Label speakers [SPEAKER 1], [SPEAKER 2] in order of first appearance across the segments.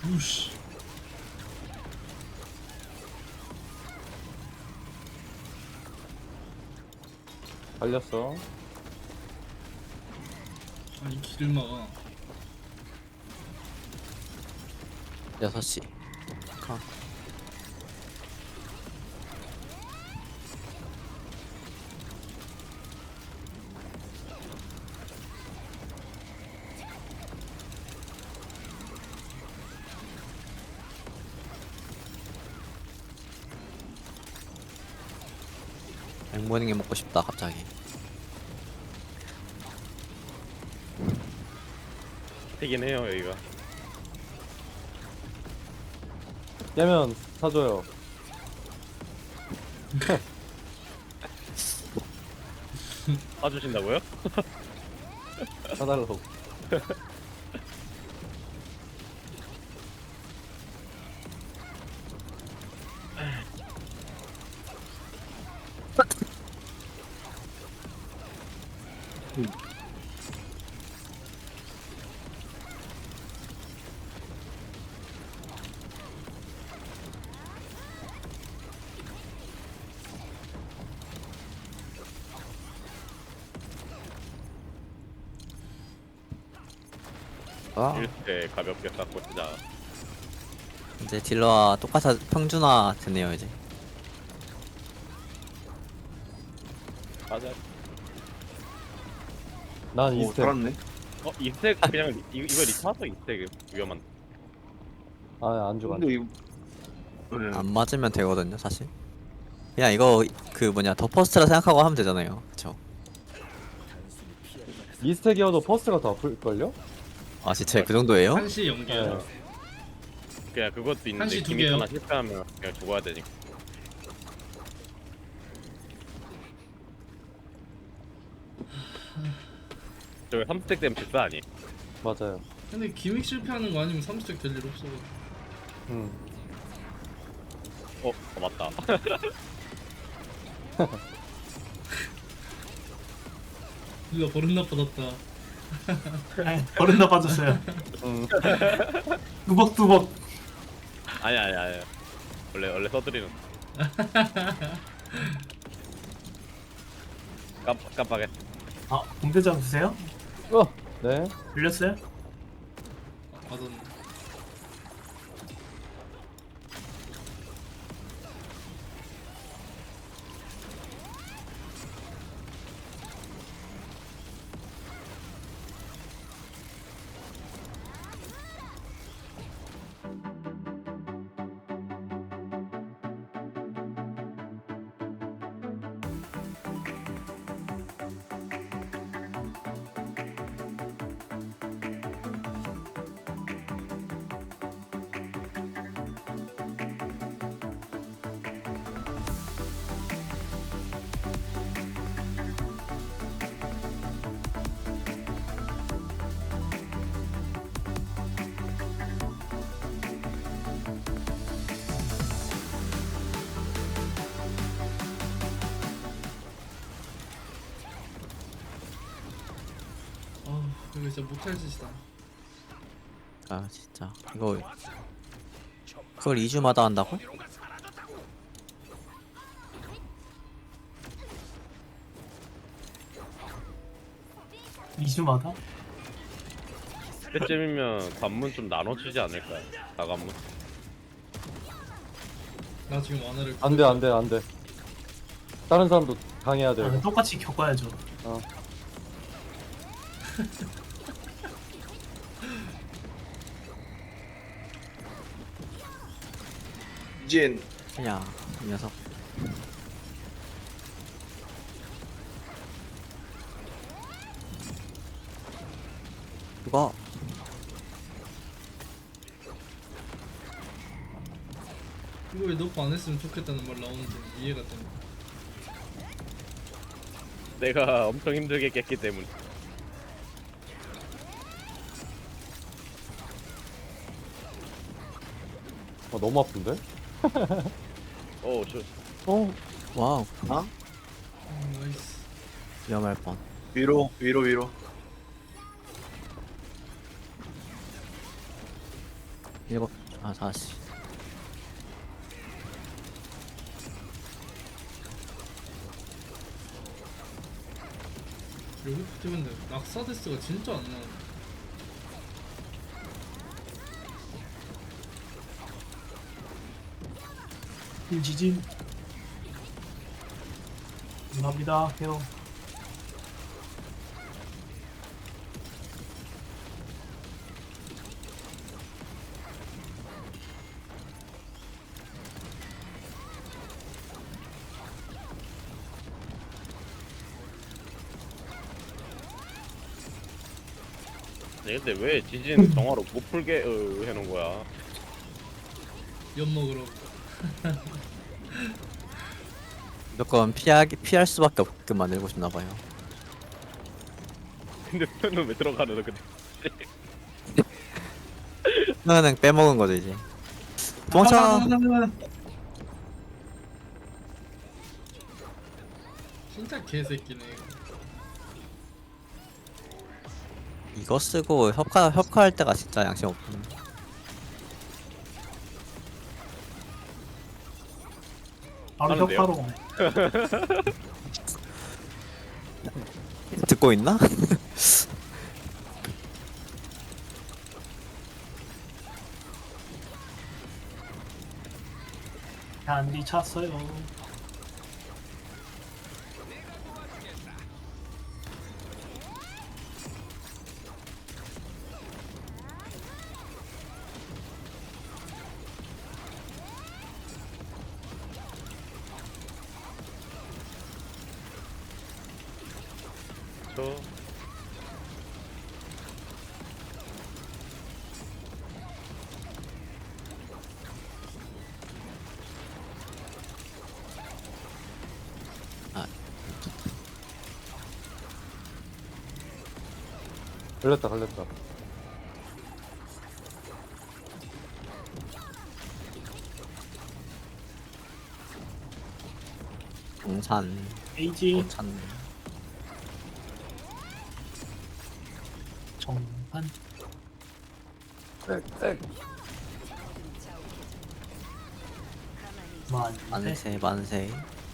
[SPEAKER 1] 우씨.
[SPEAKER 2] 달렸어.
[SPEAKER 1] 아니 길을 막아.
[SPEAKER 3] 6시. 가. 앵무닝이 먹고 싶다 갑자기.
[SPEAKER 4] 되긴 해요 여기가.
[SPEAKER 2] 깨면 사줘요.
[SPEAKER 4] 사주신다고요?
[SPEAKER 2] 사달라고.
[SPEAKER 3] 아,
[SPEAKER 4] 이렇게 가볍게 깎고 진짜.
[SPEAKER 3] 이제 딜러와 똑같아 평준화 됐네요 이제.
[SPEAKER 4] 맞아.
[SPEAKER 2] 난
[SPEAKER 5] 오,
[SPEAKER 2] 이스텝.
[SPEAKER 5] 살았네.
[SPEAKER 4] 이스택 그냥 이거 리타서 이스택 위험한.
[SPEAKER 2] 아, 안 죽어. 안
[SPEAKER 5] 근데
[SPEAKER 2] 죽어.
[SPEAKER 5] 이거 네.
[SPEAKER 3] 안 맞으면 되거든요 사실. 그냥 이거 그 뭐냐 더 퍼스트라 생각하고 하면 되잖아요. 그쵸?
[SPEAKER 2] 이스텝이어도 퍼스가 더 아플걸요?
[SPEAKER 3] 아 진짜 그 정도예요?
[SPEAKER 1] 한시 연계야.
[SPEAKER 2] 네.
[SPEAKER 4] 그냥 그것도 있는데
[SPEAKER 1] 한시 두
[SPEAKER 4] 기믹
[SPEAKER 1] 개요.
[SPEAKER 4] 하나 실패하면 그냥 죽어야 되니까. 저기 3스택 되면 직사 아니?
[SPEAKER 2] 맞아요.
[SPEAKER 1] 근데 기믹 실패하는 거 아니면 3스택 될 일 없어.
[SPEAKER 2] 음.
[SPEAKER 4] 맞다.
[SPEAKER 1] 누가 버릇 나빠졌다.
[SPEAKER 6] 버릇 나빠졌어요.
[SPEAKER 2] 음.
[SPEAKER 6] 뚜벅뚜벅.
[SPEAKER 4] 아니. 원래 써드리는. 깜빡해.
[SPEAKER 6] 아, 공대장 드세요?
[SPEAKER 2] 네.
[SPEAKER 6] 들렸어요?
[SPEAKER 1] 맞았네. 이거 진짜 못할 짓이다.
[SPEAKER 3] 아 진짜 이거 그걸 2주마다 한다고?
[SPEAKER 6] 2주마다?
[SPEAKER 4] 그때쯤이면 관문 좀 나눠주지 않을까요? 다관문?
[SPEAKER 1] 나 지금 완화를.
[SPEAKER 2] 안 돼, 안 돼, 안 돼. 다른 사람도 당해야 돼.
[SPEAKER 6] 아, 똑같이 겪어야죠.
[SPEAKER 2] 어.
[SPEAKER 5] 이젠
[SPEAKER 3] 야, 이 녀석. 그거
[SPEAKER 1] 이거 왜 너프 안 했으면 좋겠다는 말 나오는지 이해가 되네.
[SPEAKER 4] 내가 엄청 힘들게 깼기 때문에.
[SPEAKER 2] 너무 아픈데?
[SPEAKER 4] 저
[SPEAKER 3] 와우
[SPEAKER 1] 나이스.
[SPEAKER 3] 위험할 뻔.
[SPEAKER 5] 위로.
[SPEAKER 3] 일곱 아 다시.
[SPEAKER 1] 여기부터 근데 낙사데스가 진짜 안 나오네.
[SPEAKER 6] 지진. 감사합니다. 형.
[SPEAKER 4] 아니, 근데 왜 지진 정화로 못 풀게 해놓은 거야?
[SPEAKER 1] 엿 먹으러.
[SPEAKER 3] 무조건 피할 수밖에 없게 만들고 싶나 봐요.
[SPEAKER 4] 근데 표는 왜 들어가는 거 근데?
[SPEAKER 3] 그냥 빼먹은 거죠 이제. 도망쳐.
[SPEAKER 1] 진짜 개새끼네 이거.
[SPEAKER 3] 이거 쓰고 협카할 때가 진짜 양심 없군.
[SPEAKER 6] 바로
[SPEAKER 4] 하는데요?
[SPEAKER 6] 협파로 가네.
[SPEAKER 3] 듣고 있나?
[SPEAKER 6] 단디 찼어요.
[SPEAKER 4] 저
[SPEAKER 2] 걸렸다.
[SPEAKER 3] 동산
[SPEAKER 6] 에이지
[SPEAKER 3] 오찬.
[SPEAKER 6] 정판. 만세.
[SPEAKER 3] 만세.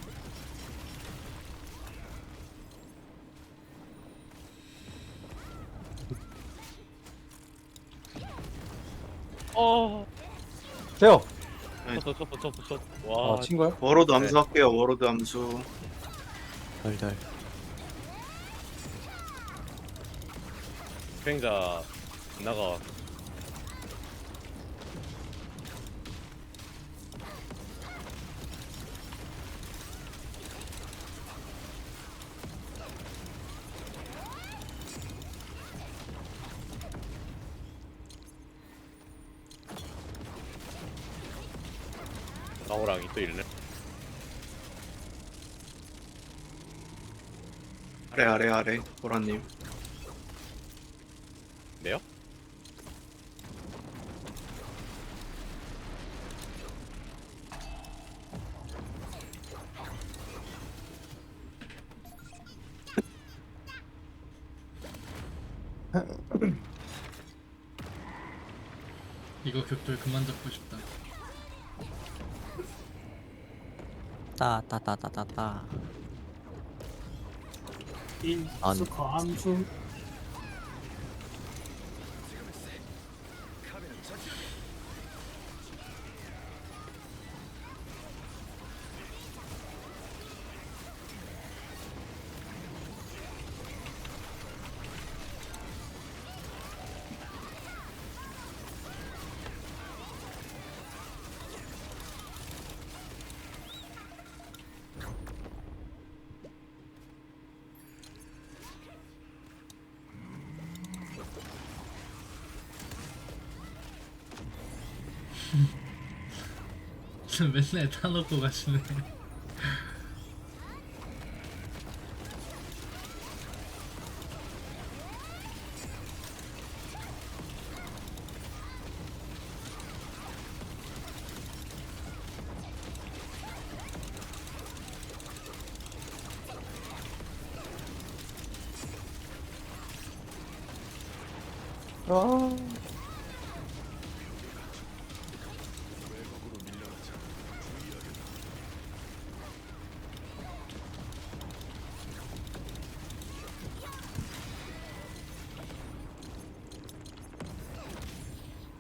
[SPEAKER 2] 세요.
[SPEAKER 4] 쳤어. 와,
[SPEAKER 2] 친 거야?
[SPEAKER 5] 워로드 암수 할게요. 워로드 암수.
[SPEAKER 3] 덜덜.
[SPEAKER 4] 수행자 나가. 나호랑이 또 있네.
[SPEAKER 5] 아래 보라님.
[SPEAKER 4] 네요?
[SPEAKER 1] 이거 격돌 그만 잡고 싶다.
[SPEAKER 3] 따따따따따따.
[SPEAKER 6] 인스커 암수.
[SPEAKER 1] 맨날 타놓고 가시네.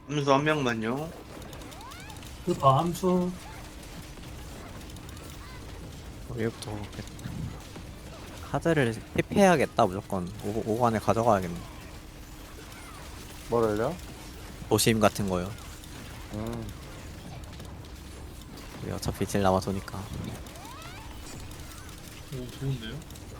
[SPEAKER 5] 암수 한 명만요.
[SPEAKER 6] 스커 암수.
[SPEAKER 3] 여기부터 카드를 힙해야겠다. 무조건 5 안에 가져가야겠네.
[SPEAKER 2] 뭐를요?
[SPEAKER 3] 도심 같은 거요.
[SPEAKER 2] 음.
[SPEAKER 3] 우리 어차피 딜 남아도니까.
[SPEAKER 1] 오 좋은데요?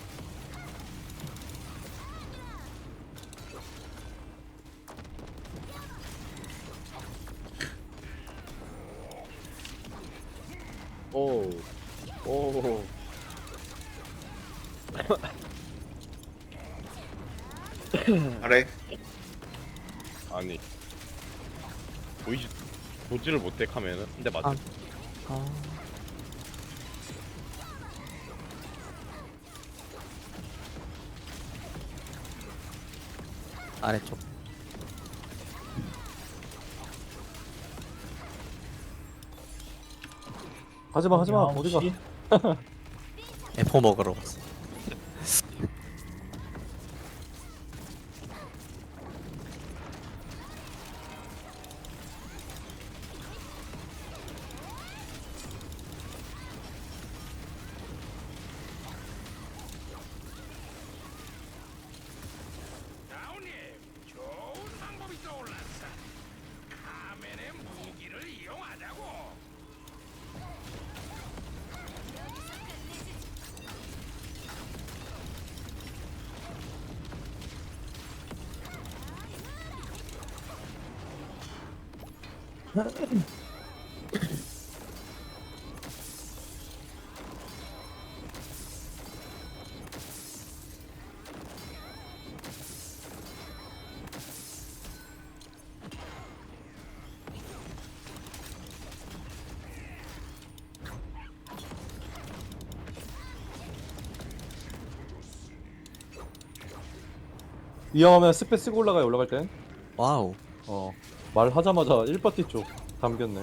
[SPEAKER 4] 오. 오.
[SPEAKER 5] 아래.
[SPEAKER 4] 아니. 보이지 보지를 못해 카면은. 근데 맞지?
[SPEAKER 3] 아. 아래쪽.
[SPEAKER 2] 하지마 하지마 어디가?
[SPEAKER 6] 9시.
[SPEAKER 3] F 먹으러 갔어.
[SPEAKER 2] 위험하면 스페 쓰고 올라가요. 올라갈 땐.
[SPEAKER 3] 와우.
[SPEAKER 2] 말하자마자 1파티 쪽 담겼네.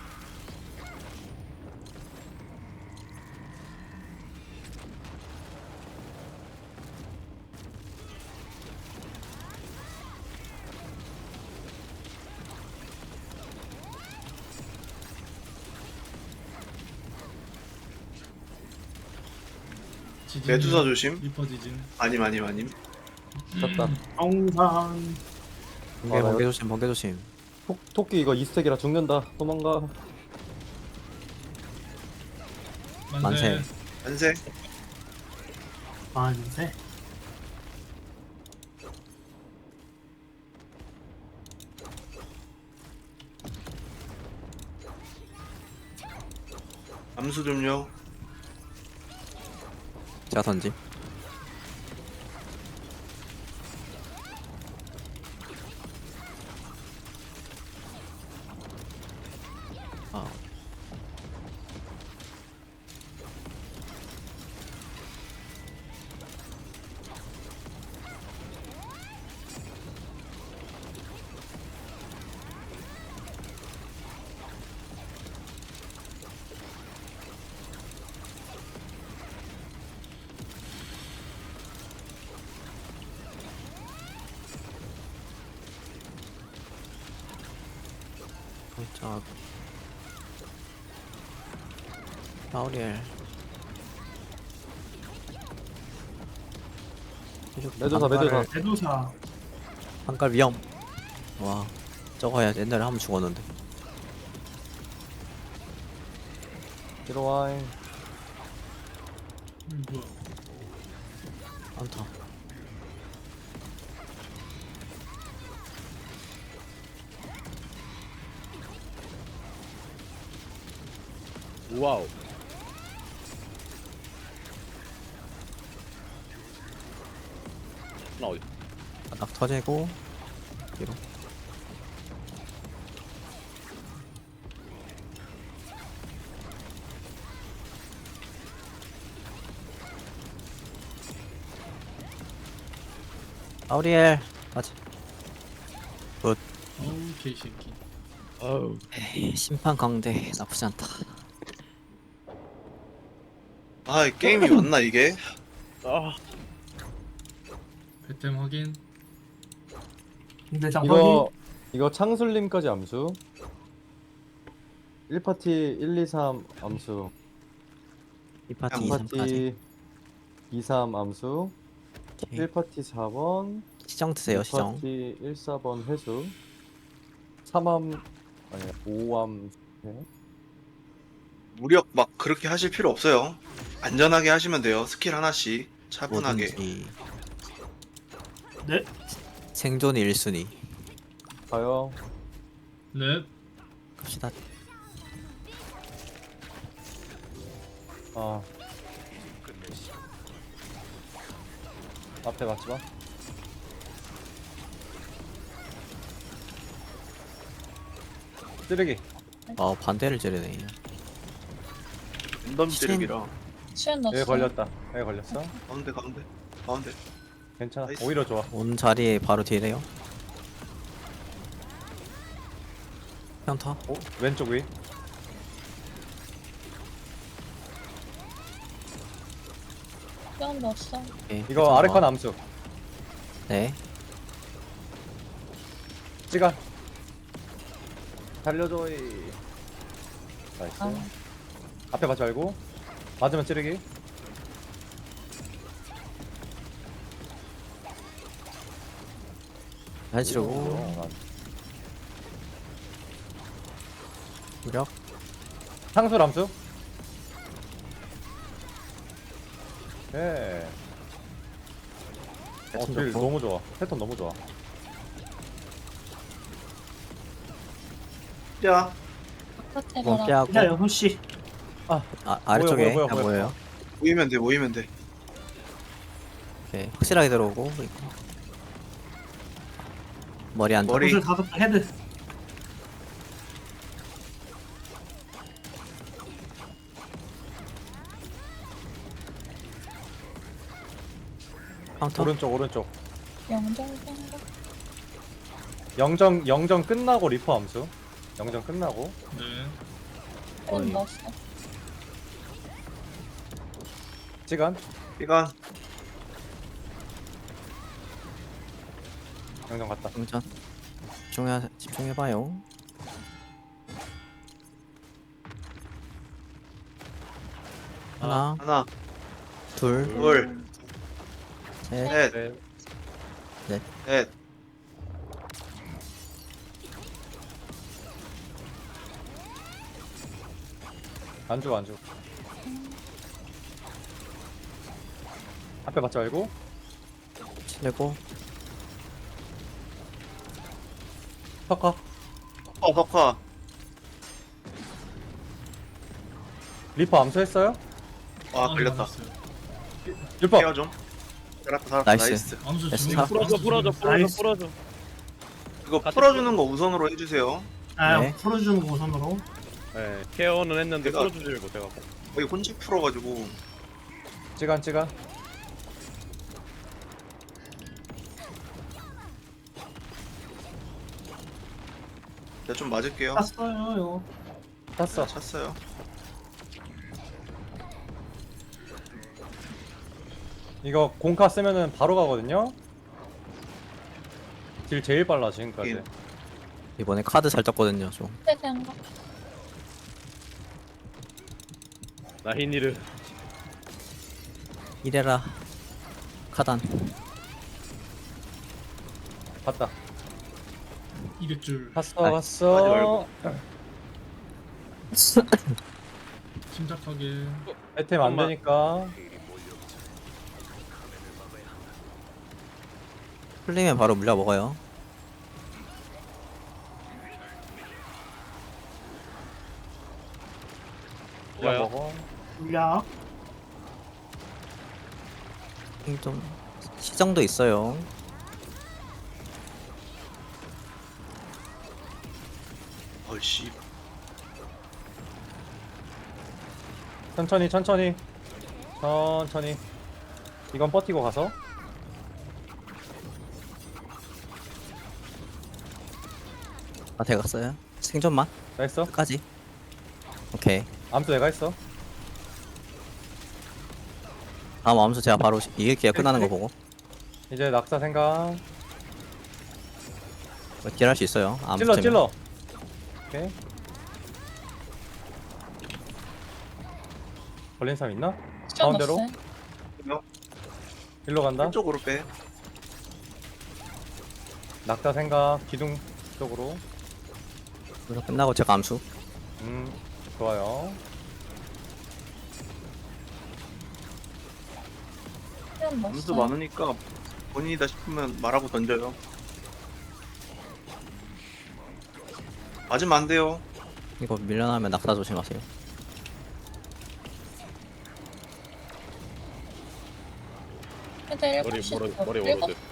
[SPEAKER 1] 지진.
[SPEAKER 5] 매두사 조심.
[SPEAKER 1] 리퍼 지진.
[SPEAKER 5] 아님.
[SPEAKER 2] 졌다.
[SPEAKER 6] 영상.
[SPEAKER 3] 번개 조심, 번개 조심.
[SPEAKER 2] 토끼 이거 2스택이라 죽는다. 도망가.
[SPEAKER 3] 만세.
[SPEAKER 5] 안세.
[SPEAKER 6] 만세.
[SPEAKER 5] 암수 좀요.
[SPEAKER 3] 제가 던짐. 아. 자, 라우리엘.
[SPEAKER 2] 매도사.
[SPEAKER 6] 대도사.
[SPEAKER 3] 한깔 위험. 와, 저거 야 옛날에 한번 죽었는데.
[SPEAKER 2] 들어와잉.
[SPEAKER 1] 뭐야?
[SPEAKER 3] 안타.
[SPEAKER 4] 와우. 나 어디?
[SPEAKER 3] 바닥 터지고 뒤로. 라우리엘 맞지.
[SPEAKER 1] 어우 개새끼.
[SPEAKER 4] 아우.
[SPEAKER 3] 에이, 심판 강대 나쁘지 않다.
[SPEAKER 5] 아, 이 게임이 맞나 이게?
[SPEAKER 4] 아.
[SPEAKER 1] 배템 확인.
[SPEAKER 6] 근데 장
[SPEAKER 2] 이거 이거 창술님까지 암수. 1파티 1, 2, 3 암수.
[SPEAKER 3] 이 파티 2, 3까지.
[SPEAKER 2] 2파티 2, 3 암수.
[SPEAKER 3] 오케이.
[SPEAKER 2] 1파티 4번.
[SPEAKER 3] 시정 드세요, 시정.
[SPEAKER 2] 2파티 1, 4번 회수. 3암 아니 5암.
[SPEAKER 5] 무력 막 그렇게 하실 필요 없어요. 안전하게 하시면 돼요. 스킬 하나씩 차분하게.
[SPEAKER 3] 뭐든지.
[SPEAKER 6] 네.
[SPEAKER 3] 생존이 1순위.
[SPEAKER 2] 가요.
[SPEAKER 1] 네.
[SPEAKER 3] 갑시다.
[SPEAKER 2] 아. 앞에 맞지 마. 쓰레기.
[SPEAKER 3] 반대를 찌르네.
[SPEAKER 5] 랜덤
[SPEAKER 3] 신.
[SPEAKER 5] 찌르기라.
[SPEAKER 7] 시간 넣었어.
[SPEAKER 2] 여기 걸렸다. 여기 걸렸어.
[SPEAKER 5] 가운데 가운데 가운데.
[SPEAKER 2] 괜찮아.
[SPEAKER 5] 나이스.
[SPEAKER 2] 오히려 좋아.
[SPEAKER 3] 온 자리에 바로 뒤에요. 평타.
[SPEAKER 2] 오, 왼쪽 위.
[SPEAKER 7] 시간 넣었어.
[SPEAKER 3] 오케이.
[SPEAKER 2] 이거 아래 칸 암수.
[SPEAKER 3] 네.
[SPEAKER 2] 시간. 달려줘. 나이스.
[SPEAKER 7] 아.
[SPEAKER 2] 앞에 맞지 말고. 맞으면 찌르기.
[SPEAKER 3] 잘 치르고.
[SPEAKER 2] 어,
[SPEAKER 3] 무력.
[SPEAKER 2] 상술 암수. 예. 딜
[SPEAKER 3] 좋고.
[SPEAKER 2] 너무 좋아. 패턴 너무 좋아.
[SPEAKER 5] 야
[SPEAKER 7] 바깥에
[SPEAKER 3] 뭐
[SPEAKER 7] 가라.
[SPEAKER 3] 피하고.
[SPEAKER 6] 기다려 후씨.
[SPEAKER 3] 아래쪽에
[SPEAKER 2] 뭐야,
[SPEAKER 3] 그냥
[SPEAKER 2] 뭐야.
[SPEAKER 3] 보여요.
[SPEAKER 5] 모이면 돼 모이면 돼.
[SPEAKER 3] 오케이. 확실하게 들어오고. 이거. 머리 안
[SPEAKER 5] 머리.
[SPEAKER 6] 옷을 닫았다 헤드.
[SPEAKER 3] 카운터.
[SPEAKER 2] 오른쪽 오른쪽.
[SPEAKER 7] 영정 생각.
[SPEAKER 2] 영정 끝나고 리퍼 암수. 영정 끝나고.
[SPEAKER 1] 네.
[SPEAKER 7] 시간 넣었어.
[SPEAKER 2] 시간.
[SPEAKER 5] 시간.
[SPEAKER 2] 영정 갔다.
[SPEAKER 3] 동전. 집중해봐요. 하나,
[SPEAKER 5] 하나
[SPEAKER 3] 둘,
[SPEAKER 5] 둘
[SPEAKER 3] 셋.
[SPEAKER 5] 셋
[SPEAKER 2] 네.
[SPEAKER 5] 넷.
[SPEAKER 2] 안 죽어 안 죽어. 앞에 맞지 말고.
[SPEAKER 3] 치르고.
[SPEAKER 2] 턱커.
[SPEAKER 5] 석화.
[SPEAKER 2] 리퍼 암수했어요?
[SPEAKER 5] 아 걸렸다.
[SPEAKER 1] 맞았어요.
[SPEAKER 2] 리퍼.
[SPEAKER 5] 케어 좀. 살았다
[SPEAKER 3] 나이스.
[SPEAKER 5] 나이스.
[SPEAKER 1] 암수
[SPEAKER 3] 됐어.
[SPEAKER 1] 주문.
[SPEAKER 4] 풀어줘
[SPEAKER 6] 나이스.
[SPEAKER 4] 풀어줘.
[SPEAKER 5] 이거
[SPEAKER 4] 같이
[SPEAKER 5] 풀어주는 거 우선으로 해주세요.
[SPEAKER 6] 아
[SPEAKER 3] 네.
[SPEAKER 6] 풀어주는 거 우선으로.
[SPEAKER 4] 네, 케어는 했는데
[SPEAKER 5] 내가-
[SPEAKER 4] 풀어주질 못해갖고.
[SPEAKER 5] 거의 혼자 풀어가지고.
[SPEAKER 2] 시간.
[SPEAKER 5] 제가 좀 맞을게요.
[SPEAKER 6] 땄어요 이거.
[SPEAKER 2] 땄어.
[SPEAKER 5] 찼어요.
[SPEAKER 2] 이거 공카 쓰면은 바로 가거든요. 딜 제일 빨라 지금까지.
[SPEAKER 5] 예.
[SPEAKER 3] 이번에 카드 잘 떴거든요, 좀.
[SPEAKER 7] 그때 생각.
[SPEAKER 4] 나히니르.
[SPEAKER 3] 이래라. 카단.
[SPEAKER 2] 봤다.
[SPEAKER 1] 이럴 줄
[SPEAKER 2] 봤어.
[SPEAKER 3] 아,
[SPEAKER 2] 봤어.
[SPEAKER 1] 침착하게.
[SPEAKER 2] 애템 안 되니까.
[SPEAKER 3] 풀리면 바로 물려 먹어요.
[SPEAKER 2] 그냥
[SPEAKER 4] 뭐야?
[SPEAKER 2] 먹어.
[SPEAKER 6] 물약.
[SPEAKER 3] 좀 시정도 있어요.
[SPEAKER 5] 어이씨.
[SPEAKER 2] 천천히. 이건 버티고 가서.
[SPEAKER 3] 아, 돼갔어요. 생존만
[SPEAKER 2] 나 했어.
[SPEAKER 3] 끝까지. 오케이.
[SPEAKER 2] 암수 내가 했어.
[SPEAKER 3] 다음 암수 제가 바로 이길게요. 끝나는 거 보고.
[SPEAKER 2] 이제 낙사 생각.
[SPEAKER 3] 딜할 수 있어요. 안
[SPEAKER 2] 찔러
[SPEAKER 3] 붙으면.
[SPEAKER 2] 찔러. 오케이. 걸린 사람 있나?
[SPEAKER 7] 시간
[SPEAKER 2] 가운데로?
[SPEAKER 7] 넣었어요.
[SPEAKER 2] 일로 간다.
[SPEAKER 5] 왼쪽으로 빼.
[SPEAKER 2] 낙타 생각. 기둥 쪽으로.
[SPEAKER 3] 그래서 끝나고 제가 암수.
[SPEAKER 2] 좋아요.
[SPEAKER 7] 시간
[SPEAKER 5] 암수
[SPEAKER 7] 넣었어요.
[SPEAKER 5] 많으니까 본인이다 싶으면 말하고 던져요. 맞으면 안 돼요.
[SPEAKER 3] 이거 밀려나면 낙사 조심하세요.
[SPEAKER 7] 애들
[SPEAKER 4] 머리
[SPEAKER 7] 7시.
[SPEAKER 4] 머리
[SPEAKER 7] 일곱?
[SPEAKER 4] 워로드.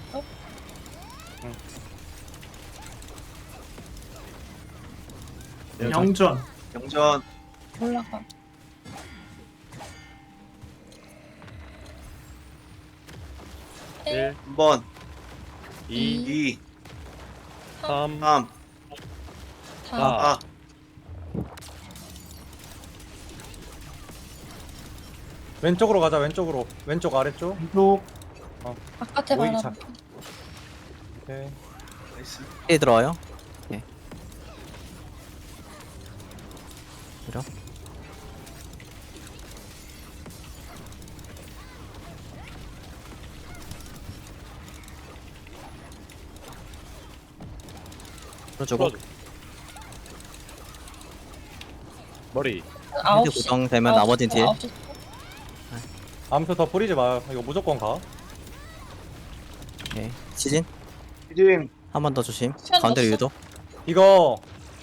[SPEAKER 6] 영전.
[SPEAKER 5] 영전
[SPEAKER 7] 올라가.
[SPEAKER 4] 일,
[SPEAKER 5] 1번,
[SPEAKER 4] 2,
[SPEAKER 5] 2,
[SPEAKER 4] 3,
[SPEAKER 5] 3,
[SPEAKER 7] 다.
[SPEAKER 5] 4.
[SPEAKER 2] 왼쪽으로 가자. 왼쪽으로. 왼쪽 아래쪽.
[SPEAKER 6] 왼쪽.
[SPEAKER 7] 바깥에
[SPEAKER 2] 오이기
[SPEAKER 7] 바라.
[SPEAKER 2] 차. 오케이.
[SPEAKER 5] 나이스.
[SPEAKER 3] 힐 들어와요. 예. 그래? 풀어주고
[SPEAKER 4] 풀어줘. 머리.
[SPEAKER 7] 아홉
[SPEAKER 3] 힌트
[SPEAKER 7] 시.
[SPEAKER 3] 고정되면 나머진 딜.
[SPEAKER 7] 9시.
[SPEAKER 2] 암수 더 뿌리지 마요. 이거 무조건 가.
[SPEAKER 3] 오케이. 시진
[SPEAKER 5] 시진
[SPEAKER 3] 한 번 더 조심.
[SPEAKER 7] 시간
[SPEAKER 3] 가운데로
[SPEAKER 7] 넣었어?
[SPEAKER 3] 유도.
[SPEAKER 2] 이거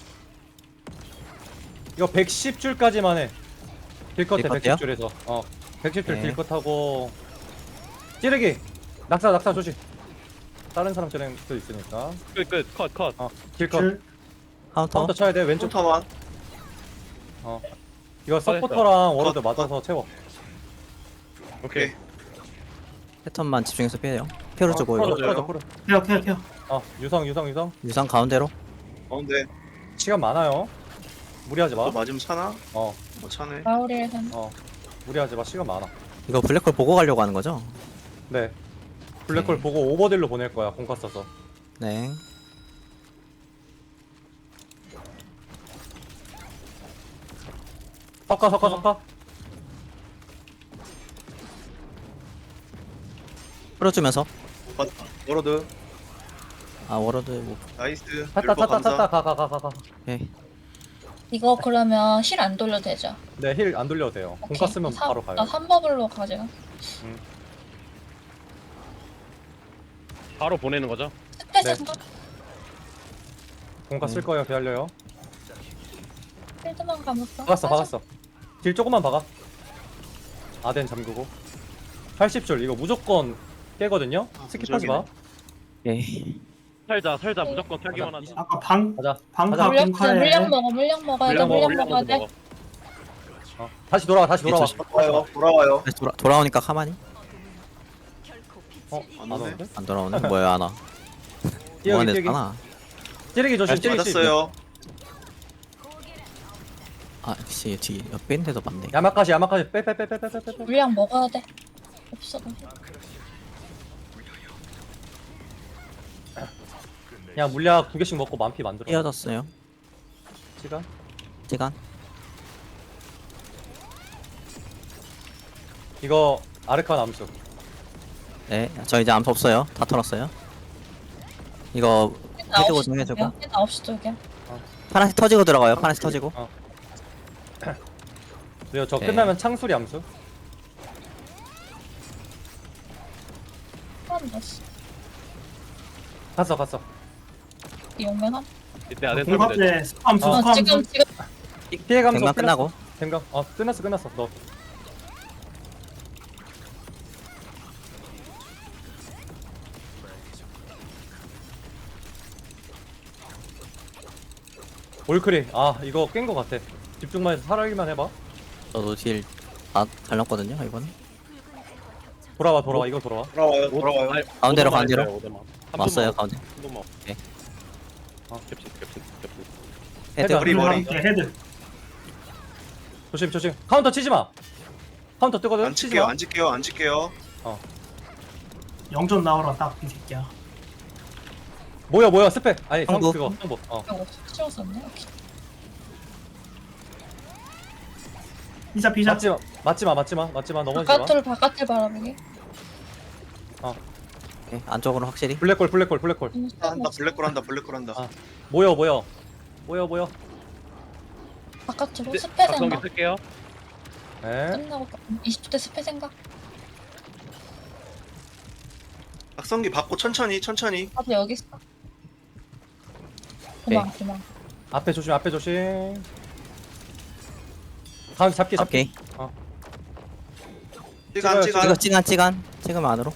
[SPEAKER 2] 110줄까지만 해. 딜컷해.
[SPEAKER 3] 딜컷해요?
[SPEAKER 2] 110줄에서. 110줄
[SPEAKER 3] 네.
[SPEAKER 2] 딜컷하고 찌르기. 낙사 조심. 다른 사람 찌르는 수도 있으니까.
[SPEAKER 4] 끝. 컷.
[SPEAKER 2] 딜컷.
[SPEAKER 6] 7.
[SPEAKER 3] 카운터.
[SPEAKER 2] 카운터 쳐야 돼. 왼쪽.
[SPEAKER 5] 포터만.
[SPEAKER 2] 이거 서포터랑 워로드 맞아서 채워.
[SPEAKER 4] 오케이.
[SPEAKER 3] 패턴만 집중해서 피해요. 피어를 주고 이거.
[SPEAKER 2] 풀어줘.
[SPEAKER 6] 케어.
[SPEAKER 2] 유성.
[SPEAKER 3] 유상 가운데로.
[SPEAKER 5] 가운데
[SPEAKER 2] 시간 많아요. 무리하지 마.
[SPEAKER 5] 또 맞으면 차나?
[SPEAKER 2] 어,
[SPEAKER 5] 차네.
[SPEAKER 7] 마을에서.
[SPEAKER 2] 무리하지 마. 시간 많아.
[SPEAKER 3] 이거 블랙홀 보고 가려고 하는 거죠?
[SPEAKER 2] 네. 블랙홀
[SPEAKER 3] 네.
[SPEAKER 2] 보고 오버딜로 보낼 거야. 공카 써서.
[SPEAKER 3] 네.
[SPEAKER 2] 섞어.
[SPEAKER 3] 풀어주면서.
[SPEAKER 5] 맞다. 워로드.
[SPEAKER 3] 아 워러드 뭐.
[SPEAKER 5] 나이스.
[SPEAKER 2] 탔다.
[SPEAKER 5] 율법 감사.
[SPEAKER 2] 가.
[SPEAKER 3] 오케이.
[SPEAKER 7] 이거 그러면 실 안 돌려도 되죠?
[SPEAKER 2] 네, 힐 안 돌려도 돼요. 공카
[SPEAKER 7] 오케이.
[SPEAKER 2] 쓰면 바로 가요.
[SPEAKER 7] 나 3버블로 가지고.
[SPEAKER 4] 바로 보내는 거죠?
[SPEAKER 2] 네.
[SPEAKER 7] 스페이스
[SPEAKER 2] 공카 쓸 거예요. 기다려요.
[SPEAKER 7] 필드만 감았어.
[SPEAKER 2] 박았어. 딜 조금만 박아. 아덴 잠그고. 80줄 이거 무조건 깨거든요. 스킵하지 마.
[SPEAKER 3] 오케이.
[SPEAKER 4] 살자 무조건 살기만 하자.
[SPEAKER 6] 아까
[SPEAKER 2] 가자.
[SPEAKER 6] 방파
[SPEAKER 2] 가자.
[SPEAKER 6] 공카에.
[SPEAKER 7] 물량 먹어야 돼. 물량 먹어야 돼.
[SPEAKER 2] 다시 돌아와.
[SPEAKER 3] 조심.
[SPEAKER 5] 돌아와요.
[SPEAKER 3] 다시 돌아오니까 가만히.
[SPEAKER 5] 안
[SPEAKER 2] 안
[SPEAKER 5] 오네.
[SPEAKER 2] 오는데?
[SPEAKER 3] 안 돌아오네. 뭐야 안 와.
[SPEAKER 2] 뛰어기.
[SPEAKER 3] 무한했잖아.
[SPEAKER 2] 찌르기 조심. 찌르기.
[SPEAKER 5] 맞았어요.
[SPEAKER 3] 아 역시 뒤 옆에 있는데도 맞네.
[SPEAKER 2] 야마까지. 빼.
[SPEAKER 7] 물량 먹어야 돼. 없어.
[SPEAKER 2] 그냥 물약 2개씩 먹고 만피 만들어.
[SPEAKER 3] 띄어졌어요.
[SPEAKER 2] 시간.
[SPEAKER 3] 시간.
[SPEAKER 2] 이거 아르칸 암수.
[SPEAKER 3] 네. 저 이제 암수 없어요. 다 털었어요. 이거 헤드 고정해주고.
[SPEAKER 7] 9시 쪽이야.
[SPEAKER 3] 파란색 터지고 들어가요. 파란색 터지고.
[SPEAKER 2] 그리고 저
[SPEAKER 3] 네.
[SPEAKER 2] 끝나면 창수리 암수.
[SPEAKER 7] 사람 넣었어.
[SPEAKER 2] 갔어.
[SPEAKER 7] 용맹함?
[SPEAKER 4] 이때 아덴 털면 되죠?
[SPEAKER 6] 공카에 스팜수.
[SPEAKER 7] 지금
[SPEAKER 2] 피해 감소
[SPEAKER 3] 갱만 끝나고.
[SPEAKER 2] 생각. 끝났어. 너. 올크리. 이거 깬 거 같아. 집중만 해서 살아기만 해봐.
[SPEAKER 3] 저도 딜 다 달렸거든요. 이번에.
[SPEAKER 2] 돌아와. 이거 돌아와.
[SPEAKER 5] 돌아와요.
[SPEAKER 3] 가운데로,
[SPEAKER 4] 오더만
[SPEAKER 3] 가운데로.
[SPEAKER 4] 해줘요, 오더만. 한
[SPEAKER 3] 왔어요
[SPEAKER 4] 번만,
[SPEAKER 3] 가운데.
[SPEAKER 4] 한 번만.
[SPEAKER 3] 오케이.
[SPEAKER 4] 겹친.
[SPEAKER 3] 헤드.
[SPEAKER 2] 헤드.
[SPEAKER 5] 머리.
[SPEAKER 6] 헤드.
[SPEAKER 2] 조심. 카운터 치지 마. 카운터 뜨거든.
[SPEAKER 5] 안
[SPEAKER 2] 치지
[SPEAKER 5] 칠게요.
[SPEAKER 2] 마.
[SPEAKER 5] 안 칠게요.
[SPEAKER 6] 영전 나오라 딱 이 새끼야.
[SPEAKER 2] 모여 스펙. 아니 성
[SPEAKER 3] 성부.
[SPEAKER 2] 그거 성부.
[SPEAKER 7] 이거 치웠었네. 오케이.
[SPEAKER 6] 피자 피자.
[SPEAKER 2] 맞지마 넘어지지 마.
[SPEAKER 7] 바깥을 바라보기.
[SPEAKER 3] 오케이, 안쪽으로 확실히.
[SPEAKER 2] 블랙홀.
[SPEAKER 5] 한다 블랙홀 한다.
[SPEAKER 2] 아. 모여.
[SPEAKER 7] 바깥으로
[SPEAKER 4] 네,
[SPEAKER 7] 스페
[SPEAKER 4] 각성기
[SPEAKER 7] 생각.
[SPEAKER 4] 쓸게요.
[SPEAKER 2] 네.
[SPEAKER 7] 끝나고 20대 스페 생각.
[SPEAKER 5] 각성기 받고 천천히.
[SPEAKER 7] 나도 여기 있어. 도망.
[SPEAKER 2] 앞에 조심. 다음 잡기.
[SPEAKER 3] 오케이.
[SPEAKER 5] 찌간.
[SPEAKER 3] 찍으면 안으로.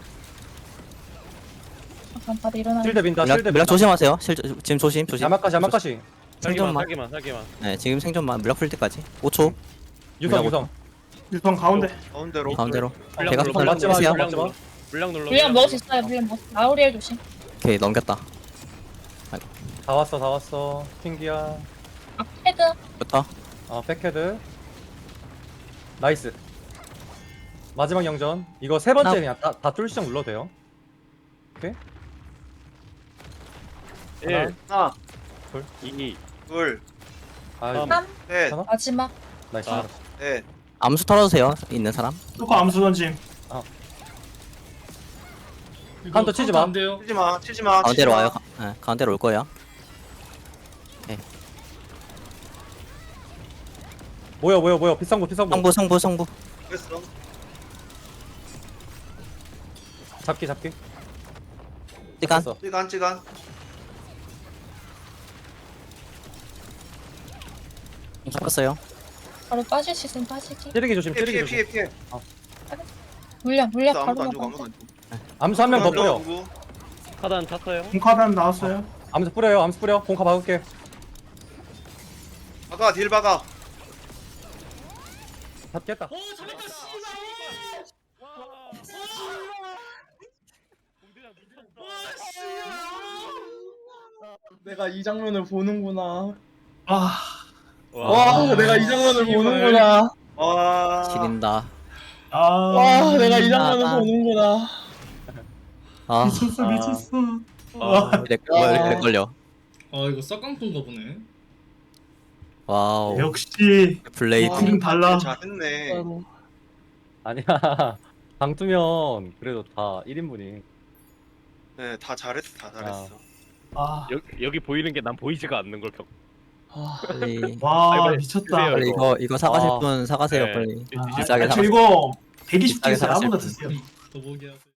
[SPEAKER 7] 잠깐 다들 일어나.
[SPEAKER 2] 실드 민다.
[SPEAKER 3] 물약 조심하세요. 지금 조심.
[SPEAKER 2] 야마카시.
[SPEAKER 3] 생존만.
[SPEAKER 4] 살기만.
[SPEAKER 3] 네, 지금 생존만 물약 풀 때까지. 5초.
[SPEAKER 2] 유성.
[SPEAKER 6] 유성 가운데.
[SPEAKER 5] 가운데로.
[SPEAKER 3] 가운데로.
[SPEAKER 4] 물량
[SPEAKER 3] 제가
[SPEAKER 4] 눌러,
[SPEAKER 2] 맞지 마,
[SPEAKER 3] 쓰세요.
[SPEAKER 2] 맞지 마.
[SPEAKER 4] 물량 눌러.
[SPEAKER 7] 물량 먹을 수 있어요. 물량 먹. 아우리엘 조심.
[SPEAKER 3] 오케이, 넘겼다.
[SPEAKER 2] 다 왔어. 킹기야.
[SPEAKER 7] 헤드.
[SPEAKER 3] 부터.
[SPEAKER 2] 백헤드. 나이스. 마지막 영전. 이거 세 번째 그냥 다 뚫 시작 눌러도 돼요. 오케이.
[SPEAKER 4] 1,
[SPEAKER 5] 하나,
[SPEAKER 4] 2,
[SPEAKER 5] 둘,
[SPEAKER 2] 아,
[SPEAKER 4] 삼.
[SPEAKER 7] 3.
[SPEAKER 5] 셋,
[SPEAKER 2] 하나?
[SPEAKER 7] 마지막.
[SPEAKER 2] 나이스.
[SPEAKER 4] 아.
[SPEAKER 5] 넷.
[SPEAKER 3] 암수 털어주세요. 있는 사람.
[SPEAKER 6] 뚜커 암수 던짐.
[SPEAKER 2] 카운터 치지 마.
[SPEAKER 1] 안 돼요.
[SPEAKER 5] 치지 마.
[SPEAKER 3] 가운데로 와요. 네, 가운데로 올 거예요.
[SPEAKER 2] 모여. 비상구.
[SPEAKER 3] 성부.
[SPEAKER 5] 됐어.
[SPEAKER 2] 잡기.
[SPEAKER 3] 시간.
[SPEAKER 2] 됐어.
[SPEAKER 5] 찌간.
[SPEAKER 3] 잡았어요.
[SPEAKER 7] 바로 빠질 수 있으면 빠지기.
[SPEAKER 2] 찌르기 조심.
[SPEAKER 5] 피해.
[SPEAKER 7] 물량
[SPEAKER 5] 아무도
[SPEAKER 7] 바로
[SPEAKER 5] 안 죽어.
[SPEAKER 7] 먹어.
[SPEAKER 2] 암수 한 명 더 뿌려.
[SPEAKER 5] 누구?
[SPEAKER 4] 하단 찼어요.
[SPEAKER 6] 공카단 나왔어요.
[SPEAKER 2] 암수 뿌려. 공카 박을게.
[SPEAKER 5] 박아, 딜 박아.
[SPEAKER 2] 잡겠다.
[SPEAKER 1] 내가 이 장면을 보는구나.
[SPEAKER 6] 아
[SPEAKER 1] 와, 내가 이 장면을 보는구나.
[SPEAKER 5] 와.
[SPEAKER 3] 지린다.
[SPEAKER 6] 아.
[SPEAKER 1] 내가 이
[SPEAKER 3] 장면을
[SPEAKER 1] 보는구나.
[SPEAKER 3] 아,
[SPEAKER 6] 미쳤어.
[SPEAKER 3] 왜 이렇게 걸려?
[SPEAKER 1] 아, 이거 싹깡통가 보네.
[SPEAKER 3] 와우.
[SPEAKER 6] 역시
[SPEAKER 3] 블레이드.
[SPEAKER 5] 와,
[SPEAKER 6] 딜은 달라.
[SPEAKER 5] 잘했네.
[SPEAKER 2] 아니야. 방투면 그래도 다 1인분이.
[SPEAKER 5] 네, 다 잘했어.
[SPEAKER 6] 아.
[SPEAKER 4] 여기 보이는 게 난 보이지가 않는 걸 겪.
[SPEAKER 3] 빨리.
[SPEAKER 6] 와
[SPEAKER 4] 빨리
[SPEAKER 6] 미쳤다.
[SPEAKER 4] 드세요.
[SPEAKER 3] 빨리 이거 사가실 분 사가세요.
[SPEAKER 4] 네.
[SPEAKER 3] 빨리.
[SPEAKER 6] 아,
[SPEAKER 3] 비싸게
[SPEAKER 6] 저
[SPEAKER 3] 사가세요.
[SPEAKER 6] 이거 120개 있어요.
[SPEAKER 3] 사가실
[SPEAKER 6] 아무나
[SPEAKER 3] 분.
[SPEAKER 6] 드세요.
[SPEAKER 1] 더보기 하세요.